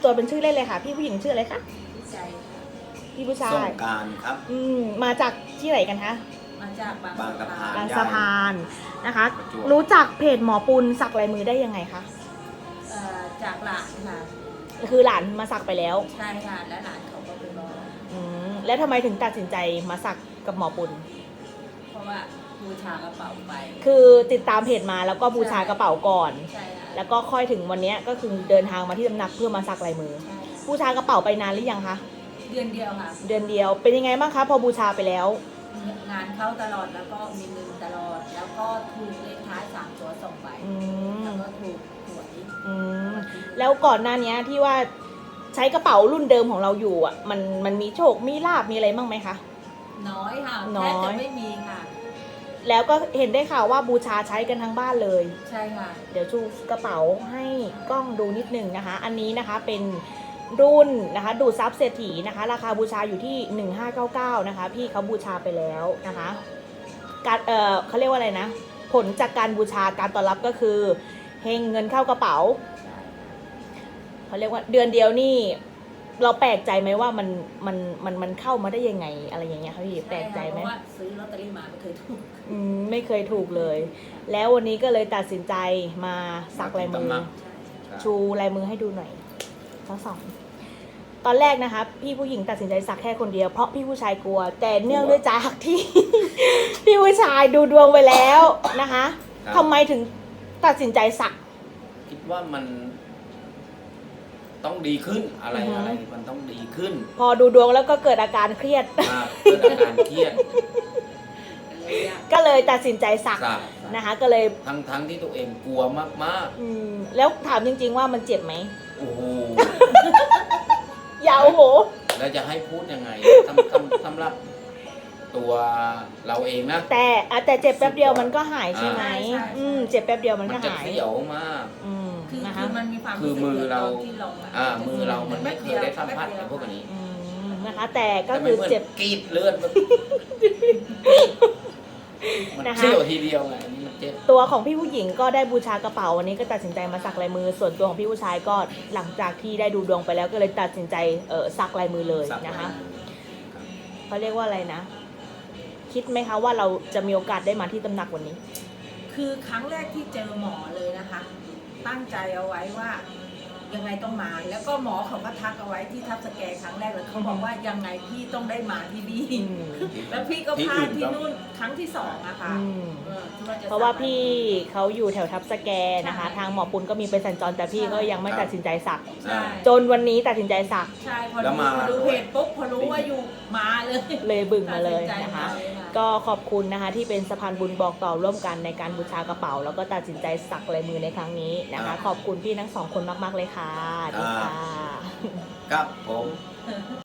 ตัวเป็นชื่อเล่นเลยค่ะพี่ผู้หญิงชื่ออะไรคะพี่ใจพี่ผู้ชาสยงกรานต์ครับมาจากที่ไหนกันคะมาจากบางสะพานบางสะพานนะคะประจวบรู้จักเพจหมอปุณสักลายมือได้ยังไงคะจากหลานค่ะคือหลานมาสักไปแล้วใช่ค่ะและหลานเขาก็ไปบอกแล้วทำไมถึงตัดสินใจมาสักกับหมอปุณเพราะว่าบูชากระเป๋าไปคือติดตามเพจมาแล้วก็บูชากระเป๋าก่อนใช่ค่ะแล้วก็ค่อยถึงวันนี้ก็คือเดินทางมาที่ตำหนักเพื่อมาสักลายมือใช่ค่ะบูชากระเป๋าไปนานหรือยังคะเดือนเดียวค่ะเดือนเดียวเป็นยังไงบ้างคะพอบูชาไปแล้วงานเข้าตลอดแล้วก็มีเงินตลอด แล้วก็ถูกเลขท้าย3 ตัว2 ใบอืมแล้วก็ถูกหวยอืมแล้วก่อนหน้านี้ที่ว่าใช้กระเป๋ารุ่นเดิมของเราอยู่อ่ะมันมีโชคมีลาบมีอะไรบ้างไหมคะน้อยค่ะน้แทอยบจะไม่มีค่ะแล้วก็เห็นได้ข่าวว่าบูชาใช้กันทั้งบ้านเลยใช่ค่ะเดี๋ยวชูกระเป๋าให้กล้องดูนิดนึงนะคะ อันนี้นะคะเป็นรุ่นนะคะดูดซับเศรษฐีนะคะ ราคาบูชาอยู่ที่ 1599นะคะพี่เขาบูชาไปแล้วนะคะการเขาเรียกว่าอะไรนะ ผลจากการบูชาการตอบรับก็คือเฮงเงินเข้ากระเป๋าใช่ค่ะเขาเรียกว่าเดือนเดียวนี่เราแปลกใจไหมว่ามันเข้ามาได้ยังไงอะไรอย่างเงี้ยคะพี่แปลกใจไหมเพราะว่าซื้อลอตเตอรี่มาไม่เคยถูกไม่เคยถูกเลย แล้ววันนี้ก็เลยตัดสินใจมาสักลายมือตำหนักชูลายมือให้ดูหน่อยทั้งสองตอนแรกนะคะพี่ผู้หญิงตัดสินใจสักแค่คนเดียวเพราะพี่ผู้ชายกลัว แต่เนื่องด้วยจากที่ พี่ผู้ชายดูดวงไปแล้วนะคะครับทำไมถึงตัดสินใจสักคิดว่ามันต้องดีขึ้นอะไรอือฮึอะไรมันต้องดีขึ้นพอดูดวงแล้วก็เกิดอาการเครียดเกิดอาการเครียดก็เลยตัดสินใจสักสักนะคะ ก็เลยทั้งที่ตัวเองกลัวมากแล้วถามจริงๆว่ามันเจ็บไหมๆโอ้โหอย่าโอ้โหแล้วจะให้พูดยังไงสำหรับตัวเราเองนะแต่เจ็บแป๊บเดียวมันก็หายใช่ไหมใช่เจ็บแป๊บเดียวมันมันก็จะหายเสียวมากคือนะคะมันมีความคือมือเราที่ลงอะมือเรามันไม่เคยได้สัมผัสกับพวกนี้นะคะ แต่ก็แต่คือมันเจ็บกรีดเลือดมันนะคะเสียวทีเดียวไงอันนี้มันเจ็บตัวของพี่ผู้หญิงก็ได้บูชากระเป๋าวันนี้ก็ตัดสินใจมาสักลายมือ ส่วนตัวของพี่ผู้ชายก็หลังจากที่ได้ดูดวงไปแล้วก็เลยตัดสินใจสักลายมือเลยสักนะคะลายมือครับเขาเรียกว่าอะไรนะ คิดไหมคะว่าเราจะมีโอกาสได้มาที่ตำหนักวันนี้คือครั้งแรกที่เจอหมอเลยนะคะ ตั้งใจเอาไว้ว่ายังไงต้องมา แล้วก็หมอเขาก็ทักเอาไว้ที่ทับสแกนครั้งแรกเลยเขาบอกว่ายังไงพี่ต้องได้มาที่นี่ แล้วพี่ก็พลาดที่นู่นครั้งที่2อะค่ะที่จเพราะว่าพี่เขาอยู่แถวทับสแกนะคะใช่ทางหมอปุณก็มีเป็นสัญจรแต่พี่ก็ยังไม่ตัดสินใจสักใช่จนวันนี้ตัดสินใจสักใช่พอแล้วดูมาพอดูเพจปุ๊บพอรู้ว่าอยู่มาเลยเลยบึ่งมาเลยตัดสินะคะใจมาเลยค่ะก็ขอบคุณนะคะที่เป็นสะพานบุญบอกต่อร่วมกันในการบูชากระเป๋า แล้วก็ตัดสินใจสักลายมือในครั้งนี้นะคะ ขอบคุณพี่ทั้งสองคนมากๆเลยค่ะดีค่ะครับผม